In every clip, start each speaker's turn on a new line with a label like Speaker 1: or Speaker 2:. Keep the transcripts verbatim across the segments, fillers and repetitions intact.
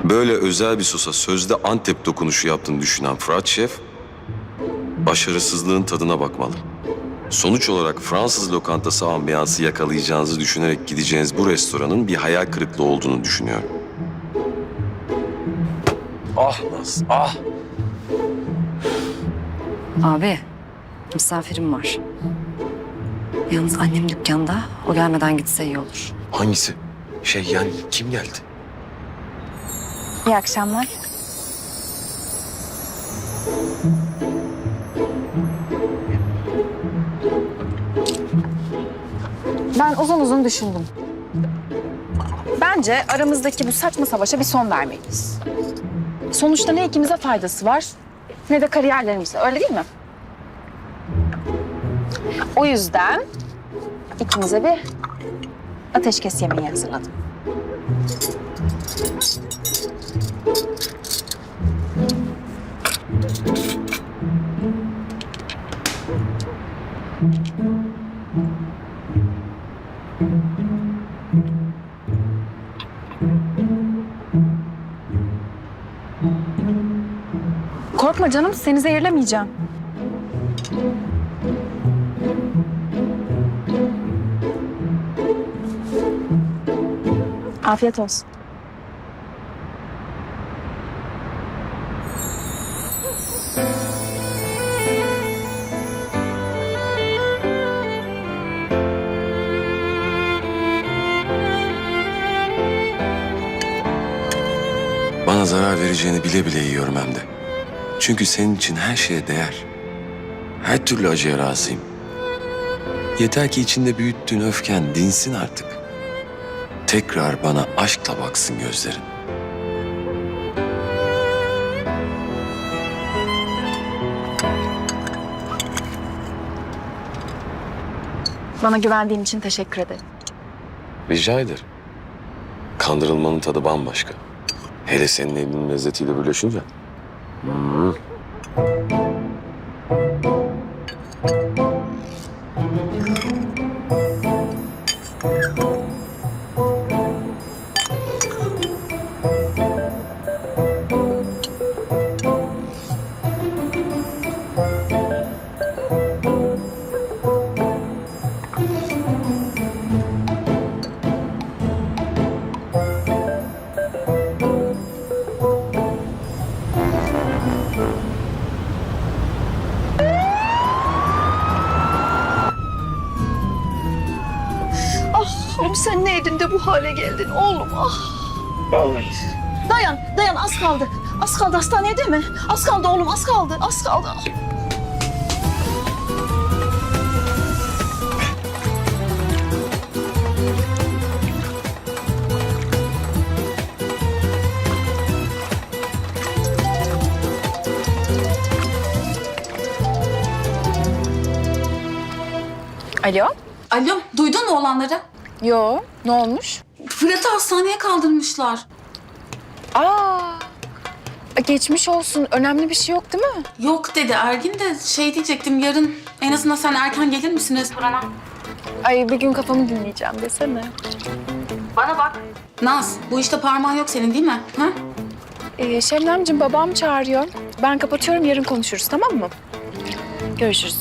Speaker 1: Böyle özel bir sosa sözde Antep dokunuşu yaptığını düşünen Fırat Şef, başarısızlığın tadına bakmalı. Sonuç olarak Fransız lokantası ambiyansı yakalayacağınızı düşünerek gideceğiniz bu restoranın bir hayal kırıklığı olduğunu düşünüyorum. Ah Naz, ah!
Speaker 2: Abi, misafirim var. Yalnız annem dükkanda. O gelmeden gitse iyi olur.
Speaker 1: Hangisi? Şey yani kim geldi?
Speaker 2: İyi akşamlar.
Speaker 3: Ben uzun uzun düşündüm. Bence aramızdaki bu saçma savaşa bir son vermeliyiz. Sonuçta ne ikimize faydası var ne de kariyerlerimize, öyle değil mi? O yüzden ikimize bir ateşkes yemeği hazırladım. Korkma canım, seni zehirlemeyeceğim. Afiyet olsun.
Speaker 1: Bana zarar vereceğini bile bile yiyorum hem de. Çünkü senin için her şeye değer. Her türlü acıya razıyım. Yeter ki içinde büyüttüğün öfken dinsin artık. Tekrar bana aşkla baksın gözlerin.
Speaker 3: Bana güvendiğin için teşekkür ederim.
Speaker 1: Rica ederim. Kandırılmanın tadı bambaşka. Hele senin elinin lezzetiyle birleşince. Hmm.
Speaker 4: Oğlum sen ne edin de bu hale geldin oğlum ah. Dayan, dayan az kaldı. Az kaldı hastaneye değil mi? Az kaldı oğlum az kaldı, az kaldı.
Speaker 3: Alo?
Speaker 5: Alo, duydun mu olanları?
Speaker 3: Yo, ne olmuş?
Speaker 5: Fırat'ı hastaneye kaldırmışlar.
Speaker 3: Aa, geçmiş olsun. Önemli bir şey yok değil mi?
Speaker 5: Yok dedi Ergin de şey diyecektim yarın en azından sen erken gelir misin restorana?
Speaker 3: Ay bir gün kafamı dinleyeceğim desene.
Speaker 5: Bana bak. Naz, bu işte parmağın yok senin değil mi? Ha?
Speaker 3: Ee, Şebnemciğim babam çağırıyor. Ben kapatıyorum, yarın konuşuruz, tamam mı? Görüşürüz.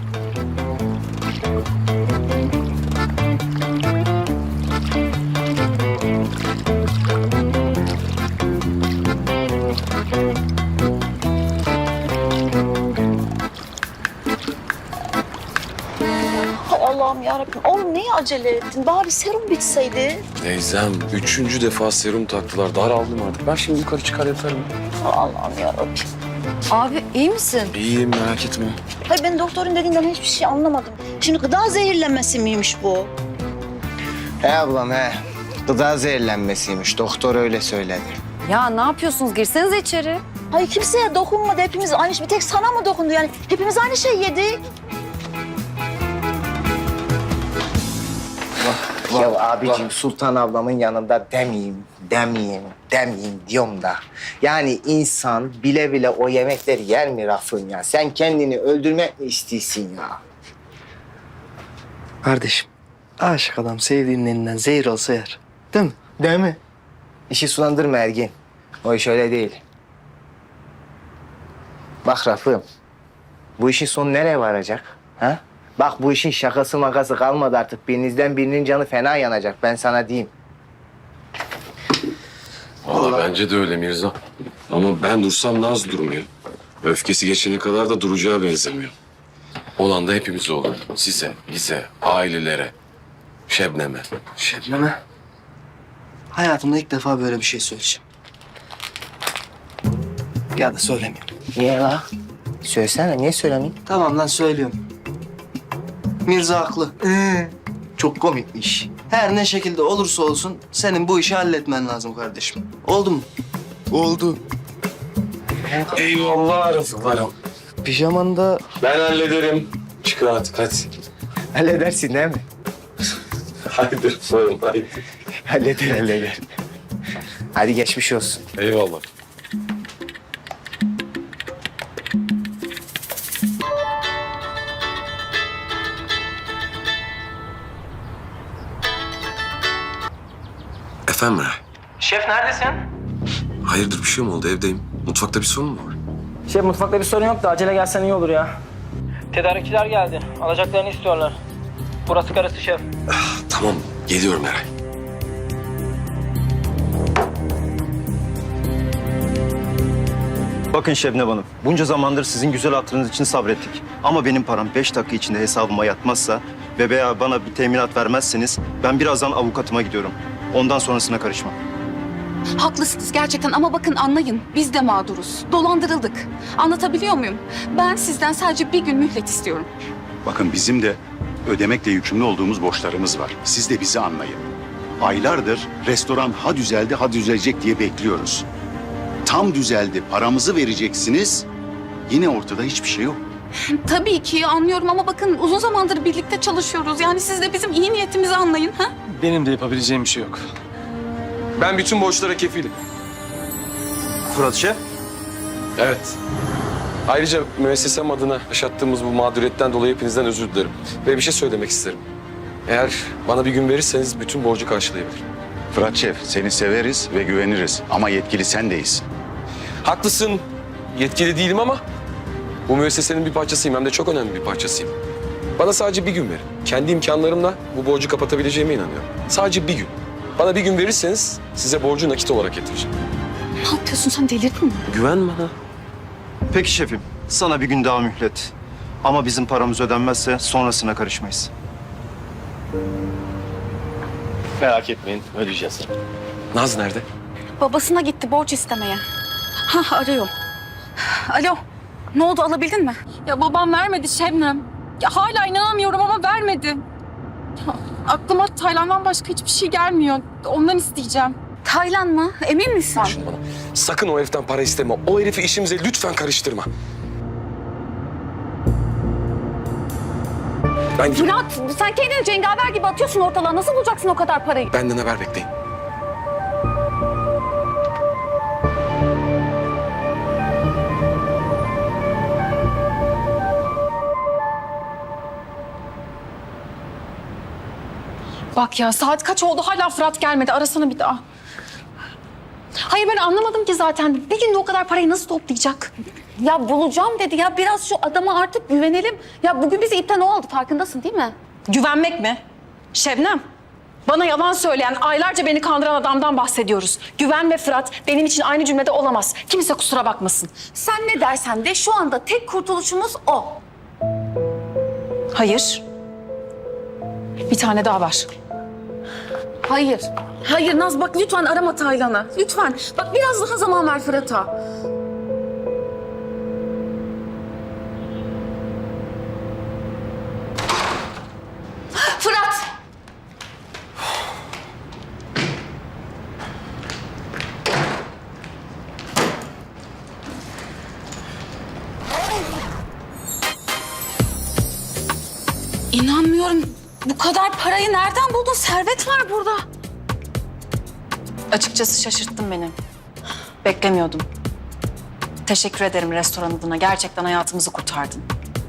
Speaker 4: Allah'ım yarabbim oğlum neye acele ettin? Bari serum bitseydi.
Speaker 1: Teyzem, üçüncü defa serum taktılar. Daraldım artık. Ben şimdi yukarı çıkar yatarım.
Speaker 4: Allah'ım yarabbim.
Speaker 2: Abi iyi misin?
Speaker 1: İyiyim, merak etme.
Speaker 4: Hayır ben doktorun dediğinden hiçbir şey anlamadım. Şimdi gıda zehirlenmesi miymiş bu?
Speaker 6: He ablam he. Gıda zehirlenmesiymiş. Doktor öyle söyledi.
Speaker 2: Ya ne yapıyorsunuz? Girsenize içeri.
Speaker 4: Hayır kimseye dokunmadı. Hepimiz aynı şey. Bir tek sana mı dokundu yani? Hepimiz aynı şey yedik.
Speaker 6: Ya abicim Sultan ablamın yanında demeyeyim, demeyeyim, demeyeyim diyorum da. Yani insan bile bile o yemekleri yer mi Rafın ya? Sen kendini öldürmek mi istiyorsun ya?
Speaker 7: Kardeşim, aşık adam sevdiğinin elinden zehir olsa yer. Değil mi?
Speaker 6: Değil mi? İşi sulandırma Ergin. O iş öyle değil. Bak Rafım, bu işin sonu nereye varacak? Ha? Bak bu işin şakası makası kalmadı artık. Birinizden birinin canı fena yanacak, ben sana diyeyim.
Speaker 1: Vallahi bence de öyle Mirza. Ama ben dursam Naz durmuyor. Öfkesi geçene kadar da duracağı benzemiyor. Olan da hepimize olur. Size, bize, ailelere, Şebnem'e.
Speaker 7: Şebnem'e hayatımda ilk defa böyle bir şey söyleyeceğim. Ya da söylemeyeyim.
Speaker 6: Niye la? Söylesene, niye söylemeyeyim?
Speaker 7: Tamam lan söylüyorum. Mirza haklı. Çok komikmiş. Her ne şekilde olursa olsun senin bu işi halletmen lazım kardeşim. Oldu mu? Oldu.
Speaker 1: Eyvallah Rıfıklarım.
Speaker 7: Pijaman da
Speaker 1: Ben hallederim. Çıkın artık hadi.
Speaker 6: Halledersin değil mi?
Speaker 1: Haydi Rıfıklarım haydi.
Speaker 6: Halleder, halleder. Hadi geçmiş olsun.
Speaker 1: Eyvallah. Efendim Meral?
Speaker 8: Şef neredesin?
Speaker 1: Hayırdır bir şey mi oldu evdeyim? Mutfakta bir sorun mu var?
Speaker 8: Şef mutfakta bir sorun yok da acele gelsen iyi olur ya. Tedarikçiler geldi. Alacaklarını istiyorlar. Burası karısı şef.
Speaker 1: Tamam geliyorum Meral.
Speaker 9: Bakın Şebnem Hanım, bunca zamandır sizin güzel hatırınız için sabrettik. Ama benim param beş dakika içinde hesabıma yatmazsa ve veya bana bir teminat vermezseniz ben birazdan avukatıma gidiyorum. Ondan sonrasına karışmam.
Speaker 5: Haklısınız gerçekten ama bakın anlayın. Biz de mağduruz. Dolandırıldık. Anlatabiliyor muyum? Ben sizden sadece bir gün mühlet istiyorum.
Speaker 10: Bakın bizim de ödemekle yükümlü olduğumuz borçlarımız var. Siz de bizi anlayın. Aylardır restoran ha düzeldi ha düzelecek diye bekliyoruz. Tam düzeldi, paramızı vereceksiniz. Yine ortada hiçbir şey yok.
Speaker 5: Tabii ki anlıyorum ama bakın uzun zamandır birlikte çalışıyoruz. Yani siz de bizim iyi niyetimizi anlayın. Ha?
Speaker 11: Benim de yapabileceğim bir şey yok.
Speaker 1: Ben bütün borçlara kefilim.
Speaker 9: Fırat Şef,
Speaker 1: Evet. Ayrıca müessesem adına yaşattığımız bu mağduriyetten dolayı hepinizden özür dilerim. Ve bir şey söylemek isterim. Eğer bana bir gün verirseniz bütün borcu karşılayabilirim.
Speaker 10: Fırat Şef, seni severiz ve güveniriz. Ama yetkili sen değilsin.
Speaker 1: Haklısın. Yetkili değilim ama bu müessesenin bir parçasıyım. Hem de çok önemli bir parçasıyım. Bana sadece bir gün verin. Kendi imkanlarımla bu borcu kapatabileceğime inanıyorum. Sadece bir gün. Bana bir gün verirseniz size borcu nakit olarak getireceğim.
Speaker 5: Ne yapıyorsun sen delirdin mi?
Speaker 1: Güven bana.
Speaker 9: peki şefim, sana bir gün daha mühlet. Ama bizim paramız ödenmezse sonrasına karışmayız.
Speaker 11: Merak etmeyin, ödeyeceğiz.
Speaker 1: Naz nerede?
Speaker 5: Babasına gitti borç istemeye. Ha arıyor. Alo. Ne oldu alabildin mi?
Speaker 3: Ya babam vermedi Şebnem. Ya hala inanamıyorum ama vermedi. Ya, aklıma Taylan'dan başka hiçbir şey gelmiyor. Ondan isteyeceğim.
Speaker 5: Taylan mı? Emin misin?
Speaker 1: Şunu bana. Sakın o heriften para isteme. O herifi işimize lütfen karıştırma. Ben
Speaker 5: Fırat sen kendini cengaver gibi atıyorsun ortalığa. Nasıl bulacaksın o kadar parayı?
Speaker 1: benden haber bekleyin.
Speaker 3: Bak ya saat kaç oldu hala Fırat gelmedi. Arasana bir daha. Hayır ben anlamadım ki zaten. Bir günde o kadar parayı nasıl toplayacak?
Speaker 5: Ya bulacağım dedi ya. Biraz şu adama artık güvenelim. Ya bugün bizi ipten o aldı. Farkındasın değil mi?
Speaker 3: Güvenmek mi? Şebnem, bana yalan söyleyen, aylarca beni kandıran adamdan bahsediyoruz. Güven ve Fırat benim için aynı cümlede olamaz. Kimse kusura bakmasın.
Speaker 5: Sen ne dersen de şu anda tek kurtuluşumuz o.
Speaker 3: Hayır. Bir tane daha var.
Speaker 5: Hayır. Hayır Naz bak lütfen arama Taylan'ı. Lütfen. Bak biraz daha zaman ver Fırat'a. Fırat! İnanmıyorum. Bu kadar parayı nereden buldun? Servet var burada.
Speaker 3: Açıkçası şaşırttın beni. Beklemiyordum. Teşekkür ederim restoran adına. Gerçekten hayatımızı kurtardın.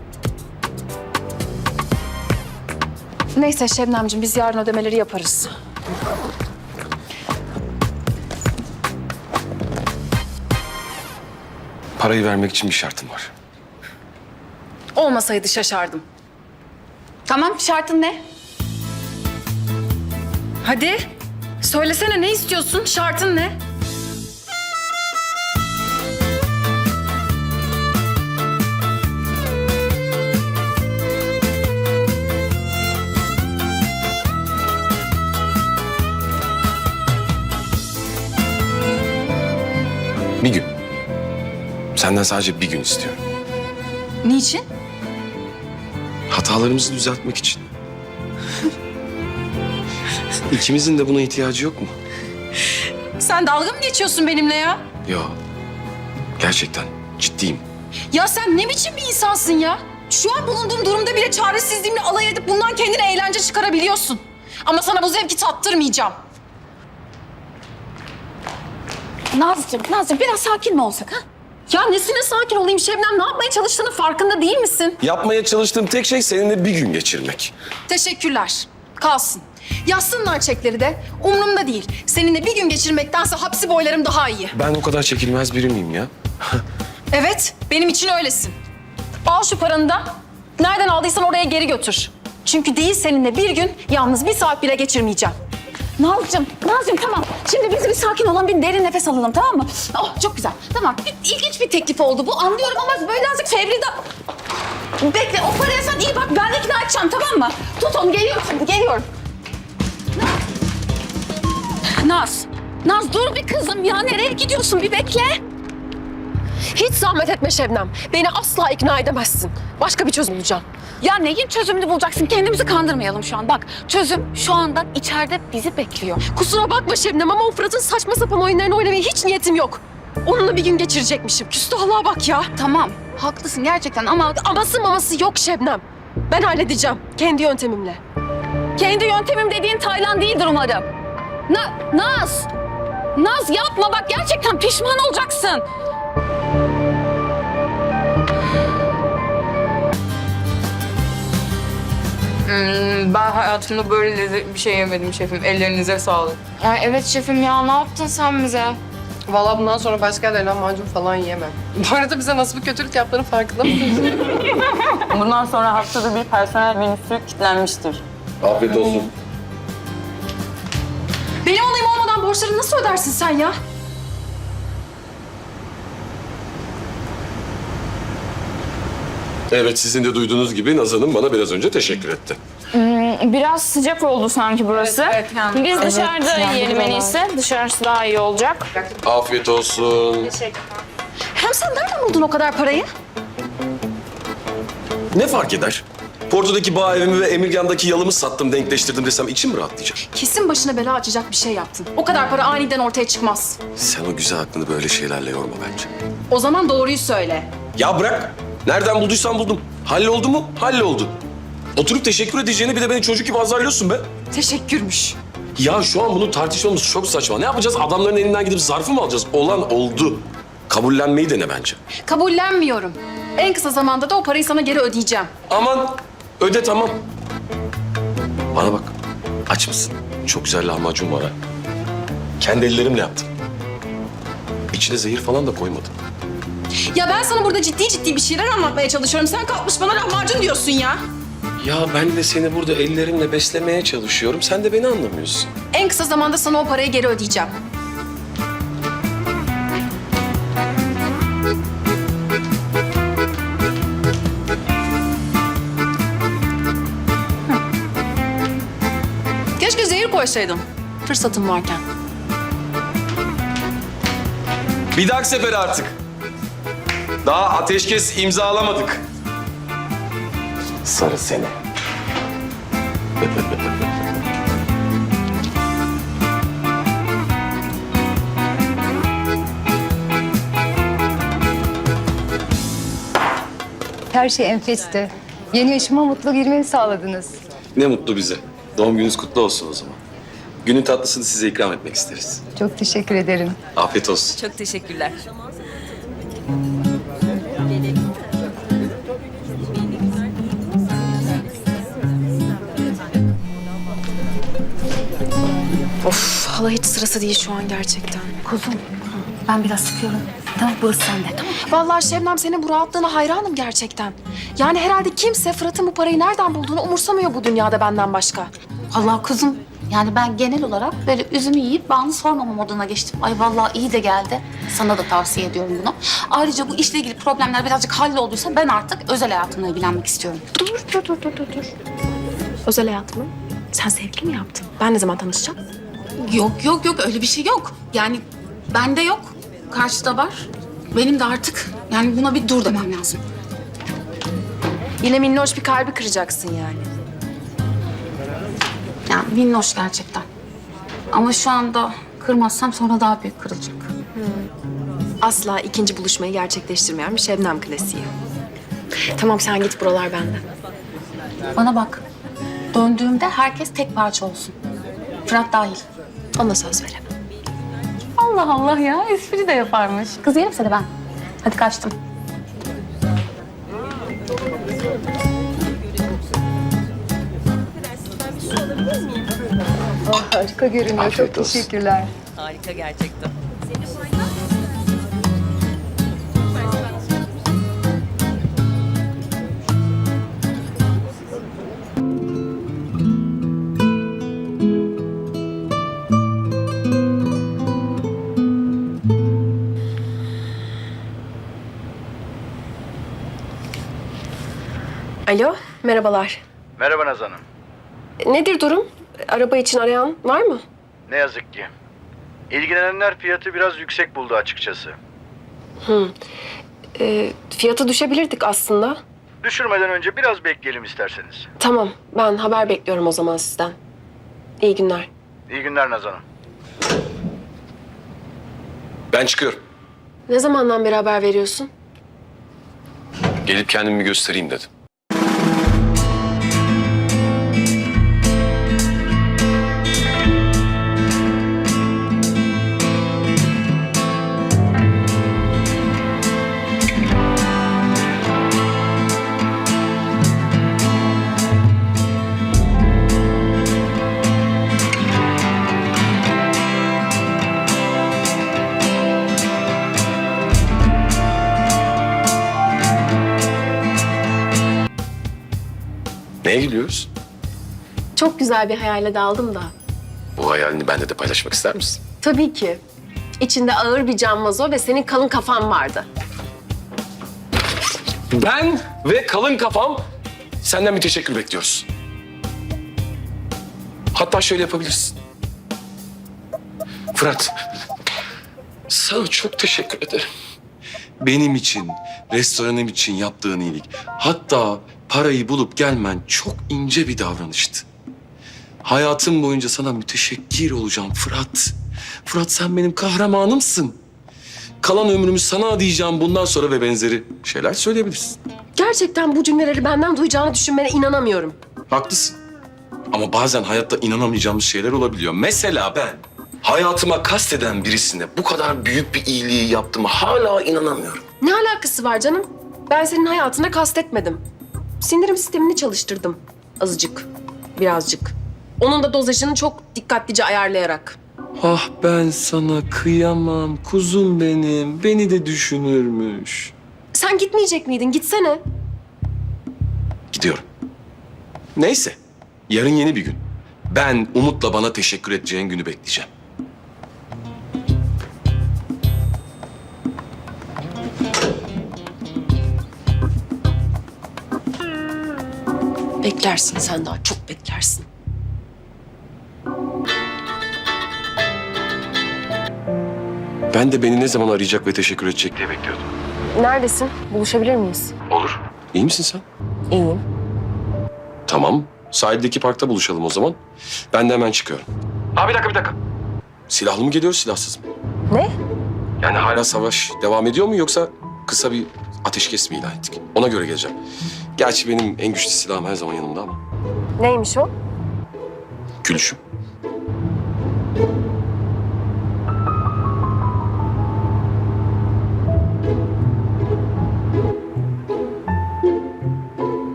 Speaker 3: Neyse Şebnemciğim biz yarın ödemeleri yaparız.
Speaker 1: Parayı vermek için bir şartım var.
Speaker 3: Olmasaydı şaşardım.
Speaker 5: Tamam, şartın ne?
Speaker 3: Hadi söylesene, ne istiyorsun? Şartın ne?
Speaker 1: Bir gün. Senden sadece bir gün istiyorum.
Speaker 3: Niçin?
Speaker 1: Hatalarımızı düzeltmek için. İkimizin de buna ihtiyacı yok mu?
Speaker 3: Sen dalga mı geçiyorsun benimle ya?
Speaker 1: Yo. Gerçekten ciddiyim.
Speaker 3: Ya sen ne biçim bir insansın ya? Şu an bulunduğum durumda bile çaresizliğimle alay edip bundan kendine eğlence çıkarabiliyorsun. Ama sana bu zevki tattırmayacağım.
Speaker 5: Nazlıcığım, Nazlıcığım biraz sakin mi olsak ha?
Speaker 3: Ya nesine sakin olayım Şebnem? Ne yapmaya çalıştığının farkında değil misin?
Speaker 1: Yapmaya çalıştığım tek şey seninle bir gün geçirmek.
Speaker 3: Teşekkürler. Kalsın. Yazsınlar çekleri de. Umurumda değil. Seninle bir gün geçirmektense hapsi boylarım daha iyi.
Speaker 1: Ben o kadar çekilmez biri miyim ya?
Speaker 3: Evet, benim için öylesin. Al şu paranı da. Nereden aldıysan oraya geri götür. Çünkü değil seninle bir gün, yalnız bir saat bile geçirmeyeceğim.
Speaker 5: Nazlıcığım, Nazlıcığım tamam. Şimdi biz bir sakin olan bir derin nefes alalım, tamam mı? Oh, çok güzel. Tamam, bir, ilginç bir teklif oldu bu. Anlıyorum ama böyle azıcık fevri da... Bekle, o paraya sen iyi bak. Ben ikna edeceğim, tamam mı? Tut onu, geliyorum şimdi, geliyorum. Naz, Naz dur bir kızım ya. Nereye gidiyorsun? Bir bekle.
Speaker 3: Hiç zahmet etme Şebnem. Beni asla ikna edemezsin. Başka bir çözüm bulacağım.
Speaker 5: Ya neyin çözümünü bulacaksın? Kendimizi kandırmayalım şu an. Bak, çözüm şu anda içeride bizi bekliyor.
Speaker 3: Kusura bakma Şebnem ama o Fırat'ın saçma sapan oyunlarını oynamaya hiç niyetim yok. Onunla bir gün geçirecekmişim. Küstahlığa bak ya.
Speaker 5: Tamam, haklısın gerçekten ama...
Speaker 3: Aması maması yok Şebnem. Ben halledeceğim. Kendi yöntemimle.
Speaker 5: Kendi yöntemim dediğin Taylan değildir umarım. Na, Naz! Naz yapma bak, gerçekten pişman olacaksın.
Speaker 12: Hmm, ben hayatımda böyle lezzetli bir şey yemedim şefim. Ellerinize sağlık.
Speaker 13: Ya evet şefim ya, ne yaptın sen bize?
Speaker 12: Vallahi bundan sonra başka yerlerden macun falan yiyemem. Bu arada bize nasıl bir kötülük yaptığının farkında mısınız? Bundan sonra haftada bir personel menüsü kilitlenmiştir.
Speaker 1: Afiyet olsun.
Speaker 3: Benim onayım olmadan borçları nasıl ödersin sen ya?
Speaker 1: Evet, sizin de duyduğunuz gibi Naz Hanım bana biraz önce teşekkür etti.
Speaker 13: Hmm, biraz sıcak oldu sanki burası.
Speaker 12: Evet, evet, yani.
Speaker 13: Biz
Speaker 12: Evet,
Speaker 13: dışarıda
Speaker 12: yani
Speaker 13: yiyelim en iyisi. Dışarısı daha iyi olacak.
Speaker 1: Afiyet olsun.
Speaker 3: Hem sen nereden buldun o kadar parayı?
Speaker 1: Ne fark eder? Porto'daki bağ evimi ve Emirgan'daki yalımı sattım, denkleştirdim desem içim mi rahatlayacak?
Speaker 3: Kesin başına bela açacak bir şey yaptın. O kadar para aniden ortaya çıkmaz.
Speaker 1: Sen o güzel aklını böyle şeylerle yorma bence.
Speaker 3: O zaman doğruyu söyle.
Speaker 1: Ya bırak. Nereden bulduysan buldum. Halloldu mu? Halloldu. Oturup teşekkür edeceğine bir de beni çocuk gibi azarlıyorsun be.
Speaker 3: Teşekkürmüş.
Speaker 1: Ya şu an bunu tartışmamız çok saçma. Ne yapacağız? Adamların elinden gidip zarfı mı alacağız? Olan oldu. Kabullenmeyi dene bence.
Speaker 3: Kabullenmiyorum. En kısa zamanda da o parayı sana geri ödeyeceğim.
Speaker 1: Aman öde tamam. Bana bak. Aç mısın? Çok güzel lahmacun var ha. Kendi ellerimle yaptım. İçine zehir falan da koymadım.
Speaker 3: Ya ben sana burada ciddi ciddi bir şeyler anlatmaya çalışıyorum. Sen kalkmış bana lahmacun diyorsun ya.
Speaker 1: Ya ben de seni burada ellerimle beslemeye çalışıyorum. Sen de beni anlamıyorsun.
Speaker 3: En kısa zamanda sana o parayı geri ödeyeceğim. Keşke zehir koysaydım. Fırsatım varken.
Speaker 1: Bir dahaki sefere artık. Daha ateşkes imzalamadık. Sarı seni.
Speaker 14: Her şey enfesti. Yeni yaşıma mutlu girmeni sağladınız.
Speaker 1: Ne mutlu bize. Doğum gününüz kutlu olsun o zaman. Günün tatlısını size ikram etmek isteriz.
Speaker 14: Çok teşekkür ederim.
Speaker 1: Afiyet olsun.
Speaker 3: Çok teşekkürler. Of, hala hiç sırası değil şu an gerçekten.
Speaker 5: Kuzum, Ben biraz sıkıyorum. Tamam, burası sende. Tamam.
Speaker 3: Vallahi Şebnem, senin bu rahatlığına hayranım gerçekten. Yani herhalde kimse Fırat'ın bu parayı nereden bulduğunu umursamıyor bu dünyada benden başka.
Speaker 5: Allah kuzum. Yani ben genel olarak böyle üzümü yiyip bağını sormama moduna geçtim. Ay vallahi iyi de geldi. Sana da tavsiye ediyorum bunu. Ayrıca bu işle ilgili problemler birazcık hallolduysa ben artık özel hayatımla ilgilenmek istiyorum.
Speaker 3: Dur, dur, dur, dur, dur. Özel hayatımı sen sevgili mi yaptın? Ben ne zaman tanışacağım?
Speaker 5: Yok yok yok öyle bir şey yok. Yani bende yok. Karşıda var. Benim de artık yani buna bir dur demem lazım.
Speaker 3: Yine minnoş bir kalbi kıracaksın yani.
Speaker 5: Yani minnoş gerçekten. Ama şu anda kırmazsam sonra daha büyük kırılacak.
Speaker 3: Asla ikinci buluşmayı gerçekleştirmeyen bir Şebnem klasiği. Tamam, sen git, buralar bende.
Speaker 5: Bana bak. Döndüğümde herkes tek parça olsun. Fırat dahil.
Speaker 3: Ona söz veremem.
Speaker 5: Allah Allah ya, espri de yaparmış. Kız yerim seni ben. Hadi kaçtım.
Speaker 14: Harika görünüyor.
Speaker 1: Afiyet
Speaker 14: Çok
Speaker 1: olsun.
Speaker 14: teşekkürler.
Speaker 12: Harika gerçekten.
Speaker 3: Alo, merhabalar.
Speaker 10: Merhaba Naz Hanım.
Speaker 3: Nedir durum? Araba için arayan var mı?
Speaker 10: Ne yazık ki. İlgilenenler fiyatı biraz yüksek buldu açıkçası.
Speaker 3: Hı. Ee, fiyatı düşebilirdik aslında.
Speaker 10: Düşürmeden önce biraz bekleyelim isterseniz.
Speaker 3: Tamam, ben haber bekliyorum o zaman sizden. İyi günler.
Speaker 10: İyi günler Naz Hanım.
Speaker 1: Ben çıkıyorum.
Speaker 3: Ne zamandan beri haber veriyorsun?
Speaker 1: Gelip kendimi göstereyim dedim. Neye gidiyoruz?
Speaker 3: Çok güzel bir hayale daldım da.
Speaker 1: Bu hayalini benimle de paylaşmak ister misin?
Speaker 3: Tabii ki. İçinde ağır bir cam vazo ve senin kalın kafan vardı.
Speaker 1: Ben ve kalın kafam senden bir teşekkür bekliyoruz. Hatta şöyle yapabilirsin. Fırat, sana çok teşekkür ederim. Benim için, restoranım için yaptığın iyilik. Hatta parayı bulup gelmen çok ince bir davranıştı. Hayatım boyunca sana müteşekkir olacağım Fırat. Fırat, sen benim kahramanımsın. Kalan ömrümü sana adayacağım bundan sonra ve benzeri şeyler söyleyebilirsin.
Speaker 3: Gerçekten bu cümleleri benden duyacağını düşünmene inanamıyorum.
Speaker 1: Haklısın. Ama bazen hayatta inanamayacağımız şeyler olabiliyor. Mesela ben hayatıma kasteden birisine bu kadar büyük bir iyiliği yaptığıma hala inanamıyorum.
Speaker 3: Ne alakası var canım? Ben senin hayatına kastetmedim. Sindirim sistemini çalıştırdım. Azıcık, birazcık. Onun da dozajını çok dikkatlice ayarlayarak.
Speaker 1: Ah, ben sana kıyamam kuzum benim. Beni de düşünürmüş.
Speaker 3: Sen gitmeyecek miydin? Gitsene.
Speaker 1: Gidiyorum. Neyse. Yarın yeni bir gün. Ben Umut'la bana teşekkür edeceğin günü bekleyeceğim.
Speaker 3: Beklersin sen, daha çok beklersin.
Speaker 1: Ben de beni ne zaman arayacak ve teşekkür edecek diye bekliyordum.
Speaker 3: Neredesin? Buluşabilir miyiz?
Speaker 1: Olur. İyi misin sen?
Speaker 3: İyiyim.
Speaker 1: Tamam. Sahildeki parkta buluşalım o zaman. Ben de hemen çıkıyorum. Ha, bir dakika, bir dakika. Silahlı mı geliyoruz, silahsız mı?
Speaker 3: Ne?
Speaker 1: Yani hala savaş devam ediyor mu yoksa kısa bir ateşkes mi ilan ettik? Ona göre geleceğim. Gerçi benim en güçlü silahım her zaman yanımda ama.
Speaker 3: Neymiş o?
Speaker 1: Gülüşüm.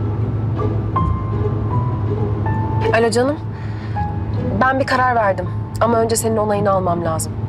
Speaker 3: Alo canım. Ben bir karar verdim. Ama önce senin onayını almam lazım.